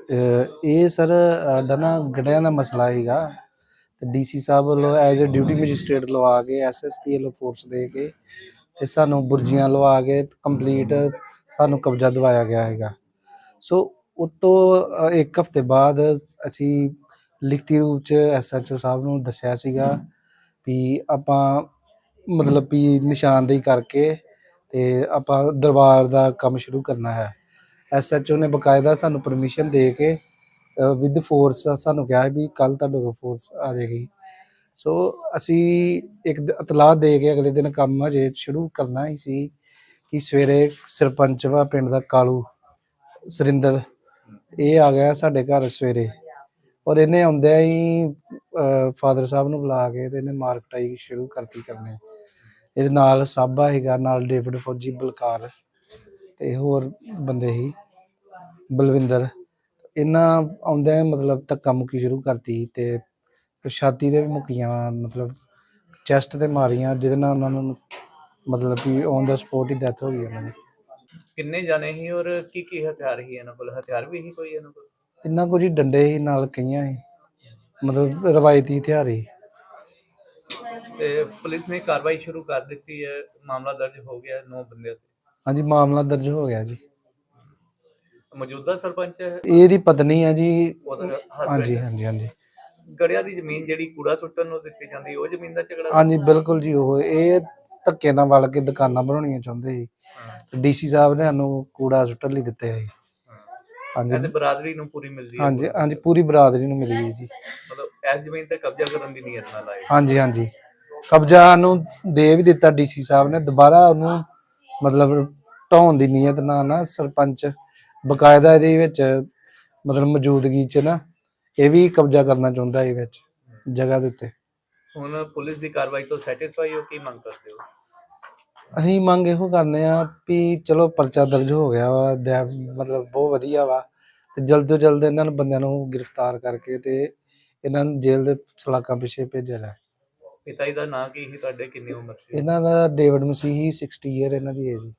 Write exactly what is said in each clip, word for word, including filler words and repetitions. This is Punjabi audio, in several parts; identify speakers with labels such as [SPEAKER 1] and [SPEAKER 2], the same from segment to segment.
[SPEAKER 1] ਇਹ ਸਰ ਸਾਡਾ ਨਾ ਗੜਿਆਂ ਦਾ ਮਸਲਾ ਸੀਗਾ ਤੇ ਡੀਸੀ ਸਾਹਿਬ ਵੱਲੋਂ ਐਜ਼ ਅ ਡਿਊਟੀ ਮੈਜਿਸਟ੍ਰੇਟ ਲਵਾ ਕੇ ਐਸਐਸਪੀ ਵੱਲੋਂ ਫੋਰਸ ਦੇ ਕੇ ਤੇ ਸਾਨੂੰ ਬੁਰਜੀਆਂ ਲਵਾ ਕੇ ਕੰਪਲੀਟ ਸਾਨੂੰ ਕਬਜ਼ਾ ਦਿਵਾਇਆ ਗਿਆ ਹੈਗਾ। ਸੋ ਉਤੋਂ ਇੱਕ ਹਫ਼ਤੇ ਬਾਅਦ ਅਸੀਂ ਲਿਖਤੀ ਰੂਪ 'ਚ ਐਸਐਚਓ ਸਾਹਿਬ ਨੂੰ ਦੱਸਿਆ ਸੀਗਾ ਵੀ ਆਪਾਂ ਮਤਲਬ ਵੀ ਨਿਸ਼ਾਨਦੇਹੀ ਕਰਕੇ ਤੇ ਆਪਾਂ ਦਰਬਾਰ ਦਾ ਕੰਮ ਸ਼ੁਰੂ ਕਰਨਾ ਹੈ। ਐਸਐਚਓ ਨੇ ਬਕਾਇਦਾ ਸਾਨੂੰ ਪਰਮਿਸ਼ਨ ਦੇ ਕੇ ਵਿਦ ਫੋਰਸ ਸਾਨੂੰ ਕਿਹਾ ਵੀ ਕੱਲ੍ਹ ਤੁਹਾਡੇ ਕੋਲ ਫੋਰਸ ਆ ਜਾਏਗੀ। ਸੋ ਅਸੀਂ ਇੱਕ ਇਤਲਾਹ ਦੇ ਕੇ ਅਗਲੇ ਦਿਨ ਕੰਮ ਹਜੇ ਸ਼ੁਰੂ ਕਰਨਾ ਹੀ ਸੀ ਕਿ ਸਵੇਰੇ ਸਰਪੰਚ ਵਾ ਪਿੰਡ ਦਾ ਕਾਲੂ ਸੁਰਿੰਦਰ ਇਹ ਆ ਗਿਆ ਸਾਡੇ ਘਰ ਸਵੇਰੇ ਔਰ ਇਹਨੇ ਆਉਂਦਿਆਂ ਹੀ ਫਾਦਰ ਸਾਹਿਬ ਨੂੰ ਬੁਲਾ ਕੇ ਤੇ ਇਹਨੇ ਮਾਰ ਕੁਟਾਈ ਸ਼ੁਰੂ ਕਰਤੀ ਕਰਨੇ। ਇਹਦੇ ਨਾਲ ਸਾਬਾ ਸੀਗਾ, ਨਾਲ ਡੇਵਿਡ ਫੌਜੀ, ਬਲਕਾਰ ਤੇ ਹੋਰ ਬੰਦੇ ਸੀ, ਬਲਵਿੰਦਰ। ਇਹਨਾਂ ਆਉਂਦਿਆਂ ਮਤਲਬ ਧੱਕਾ ਮੁੱਕੀ ਸ਼ੁਰੂ ਕਰਤੀ ਤੇ ਛਾਤੀ ਤੇ ਵੀ ਮੁੱਕੀਆਂ, ਮਤਲਬ ਚੈਸਟ ਤੇ ਮਾਰੀਆਂ, ਜਿਹਦੇ ਨਾਲ ਉਹਨਾਂ ਨੂੰ ਮਤਲਬ ਕਿ ਔਨ ਦਾ ਸਪੋਟ ਹੀ ਡੈਥ ਹੋ ਗਈ ਉਹਨਾਂ ਦੀ।
[SPEAKER 2] ਕਿੰਨੇ ਜਾਣੇ ਸੀ ਔਰ ਕੀ ਕੀ ਹਥਿਆਰ ਸੀ ਇਹਨਾਂ ਕੋਲ? ਹਥਿਆਰ ਵੀ ਸੀ ਕੋਈ ਇਹਨਾਂ ਕੋਲ?
[SPEAKER 1] ਇਹਨਾਂ ਕੋਲ ਜੀ ਡੰਡੇ ਸੀ, ਨਾਲ ਕਈਆਂ ਸੀ, ਮਤਲਬ ਰਵਾਇਤੀ ਹਥਿਆਰ ਸੀ।
[SPEAKER 2] ਤੇ ਪੁਲਿਸ ਨੇ ਕਾਰਵਾਈ ਸ਼ੁਰੂ ਕਰ ਦਿੱਤੀ ਹੈ, ਮਾਮਲਾ ਦਰਜ ਹੋ ਗਿਆ ਨੌ ਬੰਦਿਆਂ ਤੇ?
[SPEAKER 1] ਹਾਂਜੀ, ਮਾਮਲਾ ਦਰਜ ਹੋ ਗਿਆ ਜੀ।
[SPEAKER 2] ਮੌਜੂਦਾ ਸਰਪੰਚ
[SPEAKER 1] ਇਹਦੀ ਪਤਨੀ ਹੈ ਜੀ।
[SPEAKER 2] ਹਾਂਜੀ
[SPEAKER 1] ਹਾਂਜੀ ਹਾਂਜੀ।
[SPEAKER 2] ਗੜਿਆਂ ਦੀ ਜ਼ਮੀਨ ਜਿਹੜੀ ਕੂੜਾ ਸੁੱਟਣ ਨੂੰ ਦਿੱਤੀ ਜਾਂਦੀ, ਉਹ ਜ਼ਮੀਨ ਦਾ ਝਗੜਾ?
[SPEAKER 1] ਹਾਂਜੀ ਬਿਲਕੁਲ ਜੀ। ਉਹ ਇਹ ਧੱਕੇ ਨਾਲ ਵਲ ਕੇ ਦੁਕਾਨਾਂ ਬਣਾਉਣੀਆਂ ਚਾਹੁੰਦੇ ਸੀ। ਡੀਸੀ ਸਾਹਿਬ ਨੇ ਸਾਨੂੰ ਕੂੜਾ ਸੁੱਟਣ ਲਈ ਦਿੱਤੇ ਸੀ।
[SPEAKER 2] ਹਾਂਜੀ, ਬਰਾਦਰੀ ਨੂੰ ਪੂਰੀ ਮਿਲਦੀ ਹੈ?
[SPEAKER 1] ਹਾਂਜੀ ਹਾਂਜੀ, ਪੂਰੀ ਬਰਾਦਰੀ ਨੂੰ ਮਿਲੀ ਹੈ ਜੀ।
[SPEAKER 2] ਮਤਲਬ ਇਸ ਜ਼ਮੀਨ ਤੇ ਕਬਜ਼ਾ ਕਰਨ ਦੀ ਨੀਅਤ ਨਾਲ ਆਏ?
[SPEAKER 1] ਹਾਂਜੀ ਹਾਂਜੀ, ਕਬਜ਼ਾ ਨੂੰ ਦੇ ਵੀ ਦਿੱਤਾ ਡੀਸੀ ਸਾਹਿਬ ਨੇ, ਦੁਬਾਰਾ ਉਹਨੂੰ ਮਤਲਬ ਢਾਉਣ ਦੀ ਨੀਅਤ ਨਾਲ ਨਾ ਸਰਪੰਚ ਬਕਾਇਦਾ ਇਹਦੇ ਵਿੱਚ ਮਤਲਬ ਮੌਜੂਦਗੀ 'ਚ ਨਾ ਇਹ ਵੀ ਕਬਜ਼ਾ ਕਰਨਾ ਚਾਹੁੰਦਾ ਇਹ ਵਿੱਚ ਜਗ੍ਹਾ ਦੇ ਉੱਤੇ।
[SPEAKER 2] ਹੁਣ ਪੁਲਿਸ ਦੀ ਕਾਰਵਾਈ ਤੋਂ ਸੈਟੀਸਫਾਈ ਹੋ? ਕੀ ਮੰਗ ਕਰਦੇ ਹੋ?
[SPEAKER 1] ਅਸੀਂ ਮੰਗ ਇਹੋ ਕਰਨੇ ਆ ਵੀ ਚਲੋ ਪਰਚਾ ਦਰਜ ਹੋ ਗਿਆ ਵਾ, ਮਤਲਬ ਬਹੁਤ ਵਧੀਆ ਵਾ, ਤੇ ਜਲਦ ਤੋਂ ਜਲਦ ਇਹਨਾਂ ਨੂੰ ਬੰਦਿਆਂ ਨੂੰ ਗ੍ਰਿਫਤਾਰ ਕਰਕੇ ਤੇ ਇਹਨਾਂ ਨੂੰ ਜੇਲ੍ਹ ਦੇ ਸਲਾਖਾਂ ਪਿੱਛੇ ਭੇਜਿਆ ਜਾਏ।
[SPEAKER 2] ਪਿਤਾ ਜੀ ਦਾ ਨਾਂ ਕੀ ਸੀ ਤੁਹਾਡੇ? ਕਿੰਨੀ ਉਮਰ ਸੀ
[SPEAKER 1] ਇਹਨਾਂ ਦਾ? ਡੇਵਿਡ ਮਸੀਹੀ, ਸਿਕਸਟੀ ਈਅਰ ਇਹਨਾਂ ਦੀ ਏਜ।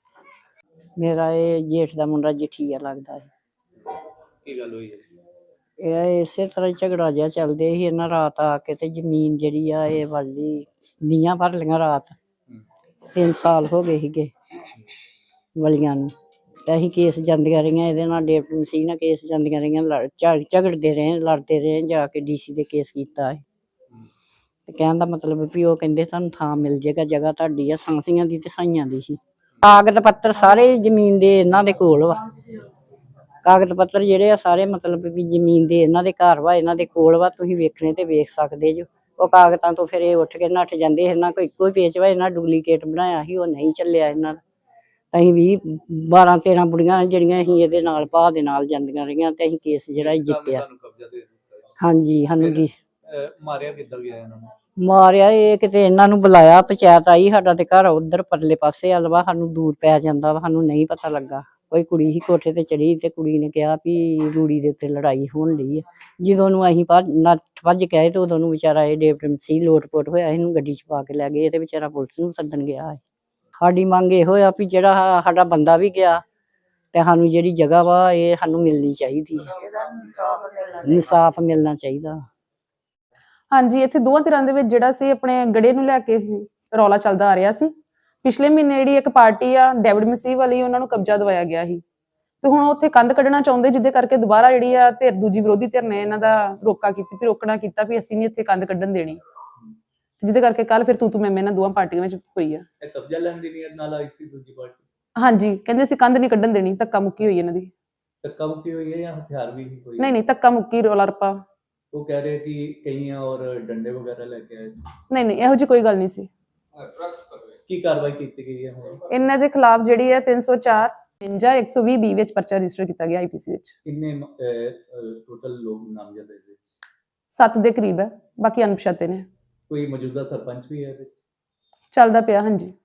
[SPEAKER 3] ਮੇਰਾ ਇਹ ਜੇਠ ਦਾ ਮੁੰਡਾ ਜਠੀਆ ਲੱਗਦਾ ਹੈ।
[SPEAKER 2] ਕੀ ਗੱਲ ਹੋਈ ਹੈ?
[SPEAKER 3] ਇਹ ਇਸੇ ਤਰ੍ਹਾਂ ਝਗੜਾ ਜਿਹਾ ਚੱਲਦੇ ਸੀ। ਇਹਨਾਂ ਰਾਤ ਆ ਕੇ ਤੇ ਜ਼ਮੀਨ ਜਿਹੜੀ ਆ ਇਹ ਵਾਲੀ ਨੀਆਂ ਭਰ ਲਈਆਂ ਰਾਤ। ਤਿੰਨ ਸਾਲ ਹੋ ਗਏ ਸੀਗੇ ਵਲੀਆਂ ਨੂੰ, ਤੇ ਅਸੀਂ ਕੇਸ ਜਾਂਦੀਆਂ ਰਹੀਆਂ ਇਹਦੇ ਨਾਲ, ਡੇਵਿਡ ਮਸੀਹ ਨਾਲ ਕੇਸ ਜਾਂਦੀਆਂ ਰਹੀਆਂ, ਲੜ ਝਗੜਦੇ ਰਹੇ, ਲੜਦੇ ਰਹੇ, ਜਾ ਕੇ ਡੀਸੀ ਦੇ ਕੇਸ ਕੀਤਾ ਹੈ। ਤੇ ਕਹਿਣ ਦਾ ਮਤਲਬ ਵੀ ਉਹ ਕਹਿੰਦੇ ਸਾਨੂੰ ਥਾਂ ਮਿਲ ਜਾਏਗਾ, ਜਗ੍ਹਾ ਤੁਹਾਡੀ ਆ, ਸਾਂਸੀਆਂ ਦੀ ਤੇ ਸਾਈਆਂ ਦੀ ਸੀ। ਕਾਗਜ਼ ਪੱਤਰ ਸਾਰੇ ਜ਼ਮੀਨ ਦੇ ਇਹਨਾਂ ਦੇ ਕੋਲ ਵਾ। ਕਾਗਜ਼ ਪੱਤਰ ਜਿਹੜੇ ਆ ਸਾਰੇ ਮਤਲਬ ਵੀ ਜ਼ਮੀਨ ਦੇ ਇਹਨਾਂ ਦੇ ਘਰ ਵਾ, ਇਹਨਾਂ ਦੇ ਕੋਲ ਵਾ, ਤੁਸੀਂ ਵੇਖਣੇ ਤੇ ਵੇਖ ਸਕਦੇ ਜੋ। ਉਹ ਕਾਗਜ਼ਾਂ ਤੋਂ ਫਿਰ ਇਹ ਉੱਠ ਕੇ ਨੱਠ ਜਾਂਦੇ। ਇਹਨਾਂ ਕੋਈ ਇੱਕੋ ਹੀ ਪੇਚ ਵਾ, ਇਹਨਾਂ ਡੁਪਲੀਕੇਟ ਬਣਾਇਆ ਸੀ, ਉਹ ਨਹੀਂ ਚੱਲਿਆ ਇਹਨਾਂ ਦਾ। ਅਸੀਂ ਵੀ ਬਾਰਾਂ ਤੇਰਾਂ ਬੁੜੀਆਂ ਜਿਹੜੀਆਂ ਅਸੀਂ ਇਹਦੇ ਨਾਲ ਭਾਅ ਦੇ ਨਾਲ ਜਾਂਦੀਆਂ ਰਹੀਆਂ ਤੇ ਅਸੀਂ ਕੇਸ ਜਿਹੜਾ ਜਿੱਤਿਆ। ਹਾਂਜੀ, ਸਾਨੂੰ ਜੀ
[SPEAKER 2] ਮਾਰਿਆ ਕਿੱਧਰ ਗਿਆ ਇਹਨਾਂ ਨੂੰ?
[SPEAKER 3] ਮਾਰਿਆ ਇਹ ਕਿਤੇ ਇਹਨਾਂ ਨੂੰ ਬੁਲਾਇਆ, ਪੰਚਾਇਤ ਆਈ, ਸਾਡਾ ਤੇ ਘਰ ਉਧਰ ਪਰਲੇ ਪਾਸੇ ਵੱਲ ਵਾ, ਸਾਨੂੰ ਦੂਰ ਪੈ ਜਾਂਦਾ ਵਾ, ਸਾਨੂੰ ਨਹੀਂ ਪਤਾ ਲੱਗਾ। ਕੋਈ ਕੁੜੀ ਹੀ ਕੋਠੇ ਤੇ ਚੜੀ ਤੇ ਕੁੜੀ ਨੇ ਕਿਹਾ ਵੀ ਰੂੜੀ ਦੇ ਉੱਤੇ ਲੜਾਈ ਹੋਣ ਲਈ ਹੈ। ਜਦੋਂ ਨੂੰ ਅਸੀਂ ਭੱਜ ਨੱਠ ਭੱਜ ਕੇ ਆਏ ਤੇ ਉਦੋਂ ਨੂੰ ਵਿਚਾਰਾ ਇਹ ਡੇਵਿਡ ਮਸੀਹ ਲੋਟ ਪੋਟ ਹੋਇਆ, ਇਹਨੂੰ ਗੱਡੀ 'ਚ ਪਾ ਕੇ ਲੈ ਗਏ ਤੇ ਵਿਚਾਰਾ ਪੁਲਿਸ ਨੂੰ ਸੱਦਣ ਗਿਆ ਹੈ। ਸਾਡੀ ਮੰਗ ਇਹੋ ਆ ਵੀ ਜਿਹੜਾ ਸਾਡਾ ਬੰਦਾ ਵੀ ਗਿਆ ਤੇ ਸਾਨੂੰ ਜਿਹੜੀ ਜਗ੍ਹਾ ਵਾ ਇਹ ਸਾਨੂੰ ਮਿਲਣੀ ਚਾਹੀਦੀ ਹੈ, ਇਨਸਾਫ ਮਿਲਣਾ ਚਾਹੀਦਾ।
[SPEAKER 4] ਹਾਂਜੀ, ਇੱਥੇ ਦੋਵਾਂ ਧਿਰਾਂ ਦੇ ਵਿੱਚ ਜਿਹੜਾ ਸੀ ਆਪਣੇ ਗੜੇ ਨੂੰ ਲੈ ਕੇ ਰੌਲਾ ਚੱਲਦਾ ਆ ਰਿਹਾ ਸੀ। ਪਿਛਲੇ ਮਹੀਨੇ ਜਿਹੜੀ ਇੱਕ ਪਾਰਟੀ ਆ ਡੇਵਿਡ ਮਸੀਹ ਵਾਲੀ, ਉਹਨਾਂ ਨੂੰ ਕਬਜ਼ਾ ਦਵਾਇਆ ਗਿਆ ਸੀ ਤੇ ਹੁਣ ਉੱਥੇ ਕੰਧ ਕੱਢਣਾ ਚਾਹੁੰਦੇ, ਜਿਹਦੇ ਕਰਕੇ ਦੁਬਾਰਾ ਜਿਹੜੀ ਆ ਧਿਰ ਦੂਜੀ ਵਿਰੋਧੀ ਧਿਰ ਨੇ ਇਹਨਾਂ ਦਾ ਰੋਕਾ ਕੀਤੀ ਵੀ ਰੋਕਣਾ ਕੀਤਾ ਵੀ ਅਸੀਂ ਨਹੀਂ ਇੱਥੇ ਕੰਧ ਕੱਢਣ ਦੇਣੀ, ਜਿਹਦੇ ਕਰਕੇ ਕੱਲ ਫਿਰ ਤੂੰ ਤੂੰ ਮੈਂ ਮੈਂ ਇਹਨਾਂ ਦੋਵਾਂ ਪਾਰਟੀਆਂ ਵਿੱਚ ਹੋਈ ਆ।
[SPEAKER 2] ਇਹ ਕਬਜ਼ਾ ਲੈਣ ਦੀ ਨੀਅਤ ਨਾਲ ਆਈ ਸੀ ਦੂਜੀ ਪਾਰਟੀ?
[SPEAKER 4] ਹਾਂਜੀ, ਕਹਿੰਦੇ ਅਸੀਂ ਕੰਧ ਨਹੀਂ ਕੱਢਣ ਦੇਣੀ, ਧੱਕਾ ਮੁੱਕੀ ਹੋਈ ਇਹਨਾਂ ਦੀ।
[SPEAKER 2] ਧੱਕਾ ਮੁੱਕੀ ਹੋਈ ਹੈ ਜਾਂ ਹਥਿਆਰ ਵੀ ਕੋਈ?
[SPEAKER 4] ਨਹੀਂ ਨਹੀਂ, ਧੱਕਾ ਮੁੱਕੀ, ਰੌਲਾ ਰੱਪਾ।
[SPEAKER 2] ਉਹ ਕਹਿ ਰਹੇ ਕਿ ਕਈਆਂ ਔਰ ਡੰਡੇ ਵਗੈਰਾ ਲੈ ਕੇ ਆਏ ਸੀ?
[SPEAKER 4] ਨਹੀਂ ਨਹੀਂ, ਇਹੋ ਜਿਹੀ ਕੋਈ ਗੱਲ ਨਹੀਂ ਸੀ।
[SPEAKER 2] ਕੀ ਕਾਰਵਾਈ ਕੀਤੀ ਗਈ ਹੈ ਹੁਣ
[SPEAKER 4] ਇਹਨਾਂ ਦੇ ਖਿਲਾਫ? ਜਿਹੜੀ ਹੈ ਤਿੰਨ ਸੌ ਚਾਰ ਜਾਂ ਇੱਕ ਸੌ ਵੀਹ ਬੀ ਵਿੱਚ ਪਰਚਾ ਰਜਿਸਟਰ ਕੀਤਾ ਗਿਆ ਆਈਪੀਸੀ ਵਿੱਚ।
[SPEAKER 2] ਕਿੰਨੇ ਟੋਟਲ ਲੋਕ ਨਾਮਜ਼ਦ ਹੈ?
[SPEAKER 4] ਸੱਤ ਦੇ ਕਰੀਬ ਹੈ, ਬਾਕੀ ਅਣਪਛਾਤੇ ਨੇ।
[SPEAKER 2] ਕੋਈ ਮੌਜੂਦਾ ਸਰਪੰਚ ਵੀ ਹੈ ਇਹਦੇ ਵਿੱਚ?
[SPEAKER 4] ਚੱਲਦਾ ਪਿਆ, ਹਾਂਜੀ।